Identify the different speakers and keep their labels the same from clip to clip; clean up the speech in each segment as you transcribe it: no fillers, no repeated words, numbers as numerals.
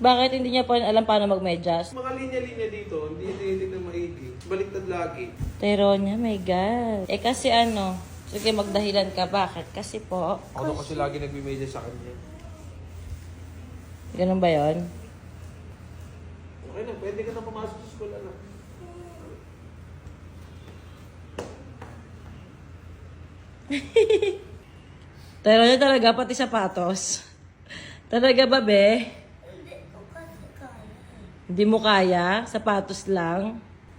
Speaker 1: Bakit hindi niya pa alam paano magmedyas?
Speaker 2: Mga linya-linya dito, hindi tinitignan maigi. Baliktad lagi.
Speaker 1: Teronya, my God. Eh kasi ano, sige magdahilan ka. Bakit? Kasi po.
Speaker 2: Ako kasi lagi nagme-media sa kanya.
Speaker 1: Ganun ba yon?
Speaker 2: Okay na, pwede ka na pumasok sa school, anak.
Speaker 1: Teronya talaga, pati sapatos. Talaga ba, be?
Speaker 3: Hindi ko kasi kaya.
Speaker 1: Hindi mo kaya? Sapatos lang?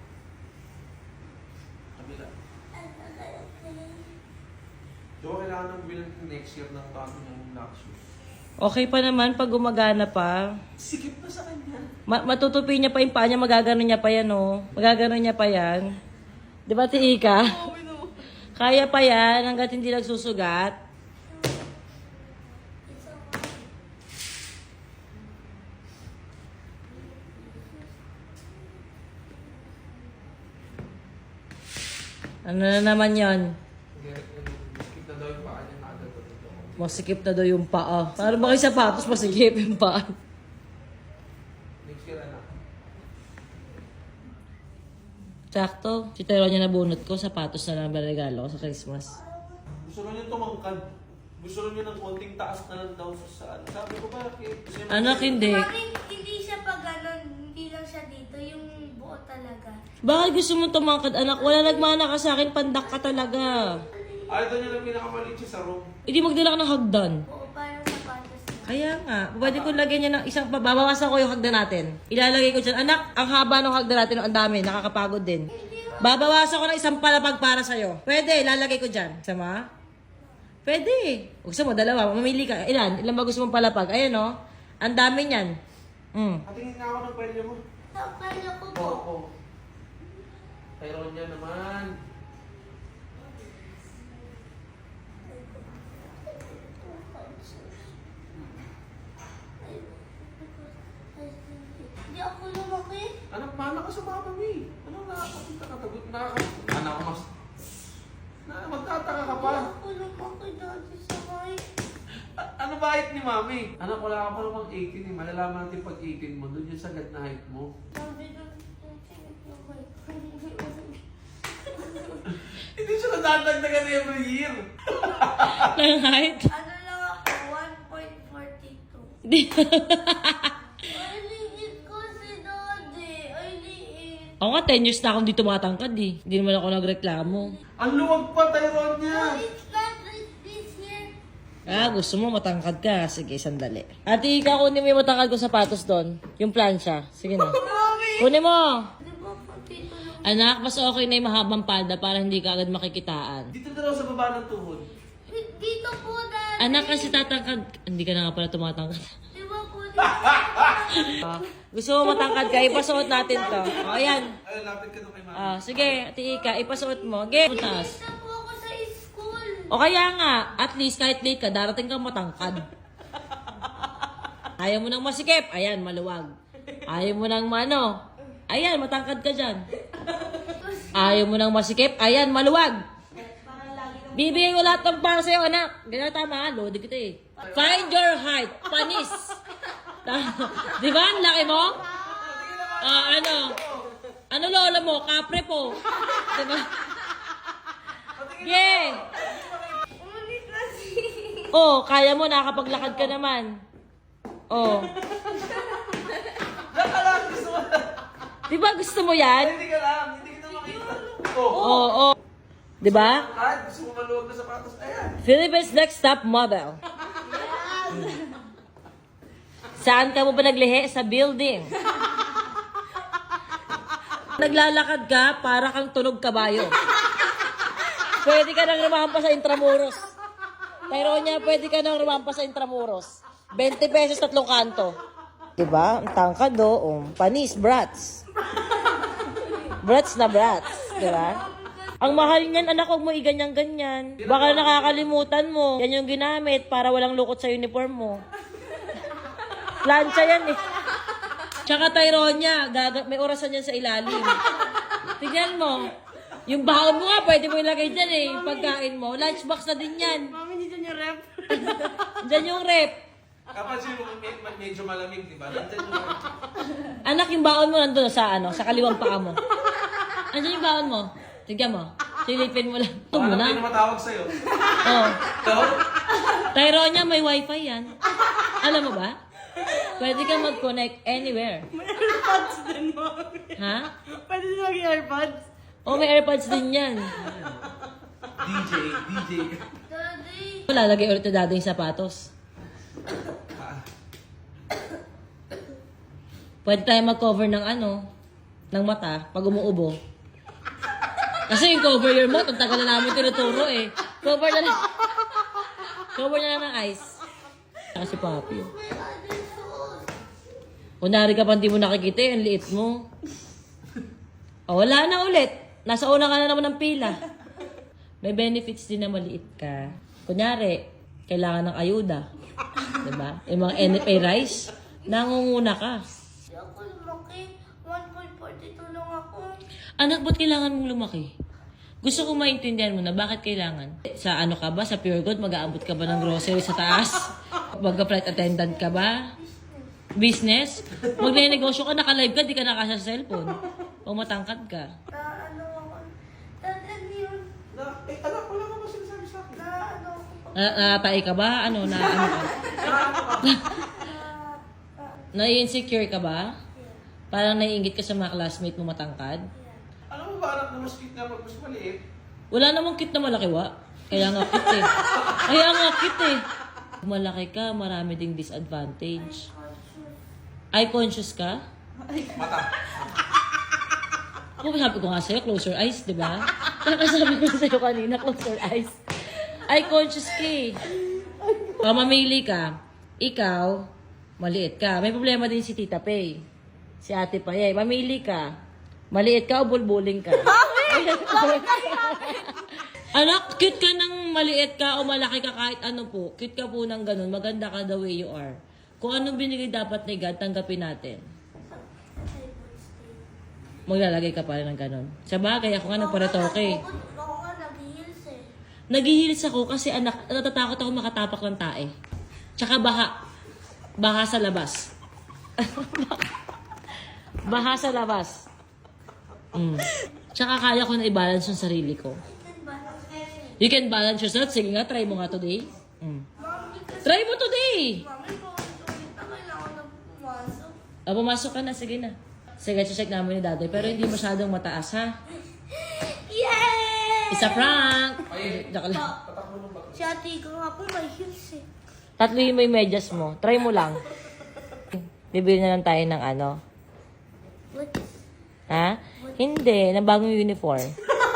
Speaker 2: Kabila. Di ba kailangan ng bilang next year ng bago niyang black shoes?
Speaker 1: Okay pa naman pag gumagana pa.
Speaker 2: Sikip na sa kanya.
Speaker 1: Matutupi niya pa yung paa niya, magagano niya pa yan, oh. Magagano niya pa yan. Di ba, Tika? Kaya pa yan hanggat hindi nagsusugat. Ano na naman yon?
Speaker 2: Sikip na daw yung paa niya agad.
Speaker 1: Masikip na daw yung paa. Paano ba kayo sapatos masikip yung paa?
Speaker 2: Next year, anak.
Speaker 1: Sakto. Si Teronya nabunot ko, sapatos na lang ba regalo ko sa Christmas.
Speaker 2: Gusto lang niya tumangkad. Gusto lang niya ng konting taas na lang daw sa ano. Sabi ko, bakit? Gusto niya
Speaker 1: Anak, hindi.
Speaker 3: Bakit hindi siya pa ganun? Hindi lang siya dito. Yung buo talaga.
Speaker 1: Bakit gusto mo tumangkad, anak? Wala nagmana ka sa akin, pandak ka talaga.
Speaker 2: Ayaw daw niya lang pinakamalit siya sa room.
Speaker 1: Hindi magdala ka ng hagdan.
Speaker 3: Buo parang sapatos na.
Speaker 1: Kaya nga, pwede ko lagyan niya ng isang, babawasan ko yung hagdan natin. Ilalagay ko dyan. Anak, ang haba ng hagdan natin, ang dami, nakakapagod din. Babawasan ko ng isang palapag para sa'yo. Pwede, ilalagay ko dyan. Sama? Pwede. Gusto mo, dalawa, mamili ka. Ilan? Ilan ba gusto mong palapag? Ayan o. Ang dami niyan.
Speaker 2: Patingin nga ako ng pwede mo.
Speaker 3: Kaya ko po.
Speaker 2: Oo. Tyron niya naman.
Speaker 3: Hindi ako lumaki.
Speaker 2: Anak, mana ka sa mama mo eh. Anong nakakapunta ka? Tagot na ka. Anak ko mas... magtataka ka pa.
Speaker 3: Hindi ako lumaki dati sa height.
Speaker 2: Ano ba height ni mami? Anak, wala ka pa namang 18 eh. Malalaman natin pag 18 mo. Doon yung sagad na height mo.
Speaker 3: Sabi ng height.
Speaker 2: Hindi siya nadadagdagan every year.
Speaker 1: Ng height?
Speaker 3: Ano lang ako? 1.42.
Speaker 1: Hindi.
Speaker 3: Ay, liit ko si Daddy. Ay, liit.
Speaker 1: Ako nga, 10 years na akong dito matangkad eh. Hindi naman ako nagreklamo.
Speaker 2: Ang luwag pa, Tyron niya.
Speaker 3: It's not like this here.
Speaker 1: Gusto mo matangkad ka? Sige, sandali. Ate, ikaw kunin mo yung matangkad ko sapatos doon. Yung plancha. Sige na. Kunin mo!
Speaker 3: Di ba pati ito lang?
Speaker 1: Anak, mas okay na yung mahabang palda para hindi ka agad makikitaan.
Speaker 2: Dito na daw sa baba ng tuhod.
Speaker 3: Dito po, Daddy.
Speaker 1: Anak, kasi tatangkad. Hindi ka na nga pala tumatangkad.
Speaker 3: Di ba po, dito?
Speaker 1: Gusto mo matangkad ka? Ipasuot natin to. O, ayan.
Speaker 2: Ay, lapit ka doon kay mami.
Speaker 1: Sige, Ate Ika, ipasuot mo. Ge, taas.
Speaker 3: Dito po ako sa school.
Speaker 1: O kaya nga, at least kahit late ka, darating kang matangkad. Ayaw mo nang masikip, ayan, maluwag. Ayaw mo nang mano, ayan, matangkad ka dyan. Ayaw mo nang masikip, ayan, maluwag. Bibigay ko lahat ng para sa'yo, anak. Ganyan tama, lodi kita eh. Find your height, panis. Di ba, ang laki mo? Ano? Ano lola mo? Kapre po. Di ba? Yeah.
Speaker 3: Ulit kasi.
Speaker 1: Oh, kaya mo, nakapaglakad ka naman. Oh.
Speaker 2: Diyan ka lang, gusto mo lang.
Speaker 1: Di ba gusto mo yan?
Speaker 2: Hindi ka lang, hindi kita makita.
Speaker 1: Oo. Oh. Di ba?
Speaker 2: Kahit gusto mo maluwag na sapatos, ayan.
Speaker 1: Philippines Next Top Model. Saan ka mo ba naglihi? Sa building. Naglalakad ka para kang tunog kabayo. Pwede ka nang rumampa sa Intramuros. Tyronya, pwede ka nang rumampa sa Intramuros. 20 pesos, 3 kanto. Diba? Ang tangkad do. Panis, brats. Brats na brats. Diba? Ang mahal niyan, anak, huwag mo iganyan-ganyan. Baka nakakalimutan mo. Yan yung ginamit para walang lukot sa uniform mo. Plancha yan eh. Tsaka Tyronya, may orasan yan sa ilalim. Tignan mo. Yung baon mo nga, pwede mo ilagay dyan eh. Yung pagkain mo. Lunchbox na din yan.
Speaker 3: Mami, dito yung rep.
Speaker 1: Dyan yung rep.
Speaker 2: Kapag sino medyo malamig, di ba? Nandyan yung...
Speaker 1: Anak, yung baon mo nandun sa sa kaliwang paa mo. Andiyan yung baon mo? Tignan mo. Silipin mo lang. Ito mo
Speaker 2: Paano
Speaker 1: na.
Speaker 2: kayo matawag sa'yo?
Speaker 1: Oh.
Speaker 2: Ikaw?
Speaker 1: Tyronia, may wifi yan. Alam mo ba? Pwede ka mag-connect anywhere.
Speaker 4: May AirPods din, Mami.
Speaker 1: Ha?
Speaker 4: Pwede din mag-AirPods.
Speaker 1: Oh, may AirPods din yan.
Speaker 2: DJ.
Speaker 3: Daddy.
Speaker 1: Lalagay ulit na dado yung sapatos. Pwede tayo mag-cover ng ng mata pag umuubo. Kasi yung cover your mouth, ang tagal na namin tinuturo eh. Cover na lang. Cover na lang ng ice. Kasi papi. Kunwari ka pa hindi mo nakikita ang liit mo. O, wala na ulit. Nasa una ka na naman ng pila. May benefits din na maliit ka. Kunyari, kailangan ng ayuda. Diba? Yung mga NFA rice, nangunguna ka.
Speaker 3: Hindi ako lumaki. 1.42 lang ako.
Speaker 1: Anak, ba't kailangan mong lumaki? Gusto ko maintindihan mo na bakit kailangan. Sa ka ba? Sa Pure Gold, mag-aabot ka ba ng grocery sa taas? Mag-flight attendant ka ba? Business? Magne-negosyo ka, naka-live ka, di ka nakasya sa cellphone. O matangkad ka.
Speaker 3: Ano ako. Daddy, ano yun?
Speaker 2: Anak, wala ka ba sinasabi sa akin?
Speaker 3: Ano ako.
Speaker 1: Natay ka ba? Ano ka? Nai-insecure ka ba? Parang naiingit ka sa mga classmate mo matangkad?
Speaker 2: Alam mo ba, anak na mas cute na pag mas maliit?
Speaker 1: Wala namang cute na malaki, wa? Kaya nga cute eh. Kaya nga cute eh. Kung malaki ka, marami ding disadvantage. Eye conscious ka?
Speaker 2: Mata.
Speaker 1: Ako sabi ko nga sa'yo, close your eyes, di ba? Kakasabi ko sa'yo kanina, close your eyes. Eye conscious ka eh. Kung mamili ka, ikaw, maliit ka. May problema din si Tita Pay. Si Ate Payay. Mamili ka. Maliit ka o bulbuling ka? Anak, cute ka ng maliit ka o malaki ka kahit ano po. Cute ka po ng ganun. Maganda ka the way you are. Kung anong binigay dapat ni God, tanggapin natin. Maglalagay ka pa rin ng ganun. Sa bagay, ako nga nagparetoke.
Speaker 3: Ako nga nag-heels eh.
Speaker 1: Nag-heels ako kasi anak, natatakot ako makatapak ng tae. Tsaka baha. Baha sa labas. Baha sa labas. Tsaka kaya ko na i-balance yung sarili ko. You can balance yourself. Sige nga, try mo nga today. Try mo today!
Speaker 3: Mami, paulit-ulit na kailangan na pumasok.
Speaker 1: Pumasok ka na. Sige na. Sige, check namin ni Dadoy. Pero hindi masyadong mataas, ha?
Speaker 3: Yay!
Speaker 1: Isa prank! Joke lang.
Speaker 3: Si ate ko nga po may heels eh.
Speaker 1: Tatlo yung may medyas mo. Try mo lang. Bibili na lang tayo ng
Speaker 3: What?
Speaker 1: Ha? Hindi. Ng bagong uniform.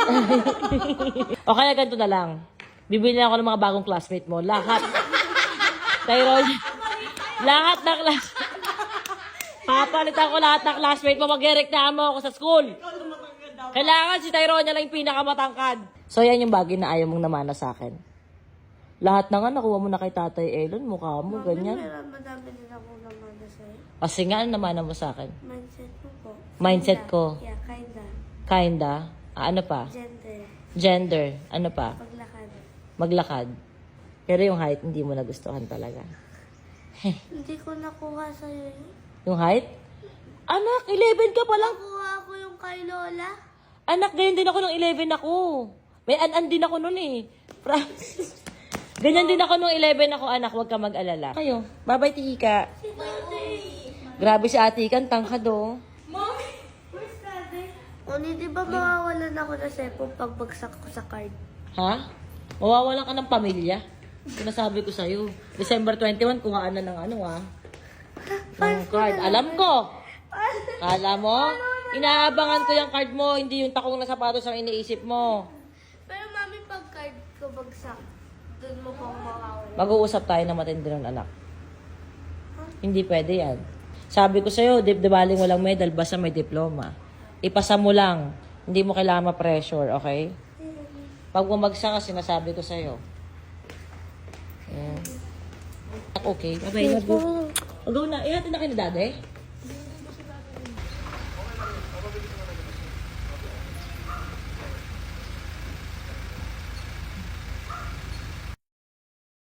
Speaker 1: O kaya ganito na lang. Bibili na ako ng mga bagong classmate mo. Lahat. Tyrone. Lahat ng classmate. Papalitan ko lahat ng classmate mo. Mag-reklamo ako sa school. Kailangan si Tyrone lang yung pinakamatangkad. So yan yung bagay na ayaw mong namana sa akin. Lahat na nga nakuha mo na kay Tatay Elon. Mukha mo, ganyan.
Speaker 3: Meron madami din ako naman na sa'yo.
Speaker 1: Kasi nga, ano namana mo sa akin?
Speaker 3: Mindset mo po.
Speaker 1: Mindset ko.
Speaker 3: Yeah, kinda.
Speaker 1: Kinda. Ano pa?
Speaker 3: Gender.
Speaker 1: Gender. Ano pa?
Speaker 3: Paglakad.
Speaker 1: Maglakad. Pero yung height, hindi mo nagustuhan talaga.
Speaker 3: Hindi ko nakuha sa'yo yun.
Speaker 1: Yung height? Anak, 11 ka pa lang.
Speaker 3: Nakuha ko yung kay Lola.
Speaker 1: Anak, ganyan din ako nung 11 ako. May an-an din ako nun eh. Promise. Ganyan din ako nung 11 ako, anak. Huwag ka mag-alala. Kayo. Bye-bye, Tika.
Speaker 3: Si Daddy.
Speaker 1: Grabe si Ate Ikan, tangkad oh.
Speaker 3: Mommy! Where's Daddy? Oni, di ba mawawalan ako na cellphone pag bagsak ko sa card?
Speaker 1: Ha? Mawawalan ka ng pamilya. Sinasabi ko sa'yo. December 21, kuhaan na ng ng card. Alam ko. Kala mo? Inaabangan ko yung card mo, hindi yung takong na sapatos ang iniisip mo.
Speaker 3: Pero mami, pag card ko bagsak, doon mo pang mawawala.
Speaker 1: Mag-uusap tayo na matindi nun, anak. Hindi pwede yan. Sabi ko sa'yo, di baling walang medal, basta may diploma. Ipasa mo lang. Hindi mo kailangan ma-pressure, okay? Pag bumagsak ka, sinasabi ko sa'yo. Okay. Bye-bye. Go na. Ihatid na kayo ni Daddy.